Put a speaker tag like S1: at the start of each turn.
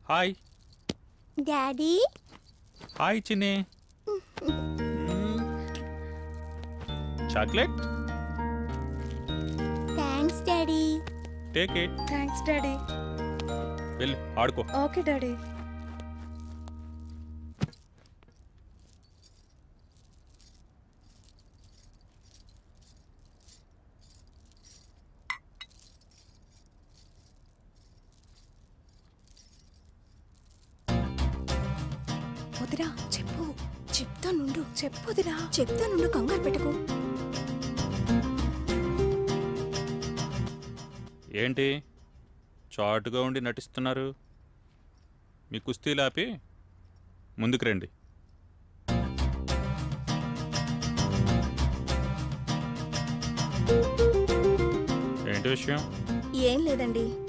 S1: Hi
S2: daddy.
S1: Hi Chinni. Chocolate.
S2: Thanks daddy.
S1: Take it.
S3: Thanks daddy.
S1: వెళ్ళి ఆడుకో.
S3: Okay daddy.
S2: వదిరా చెప్పు. చెప్తానుండు. చెప్పు వదిరా. చెప్తానుండు, కంగారు పెట్టకు.
S1: ఏంటి చాటుగా ఉండి నటిస్తున్నారు? మీ కుస్తీలు ఆపి ముందుకు రండి. ఏంటి విషయం?
S2: ఏం లేదండి.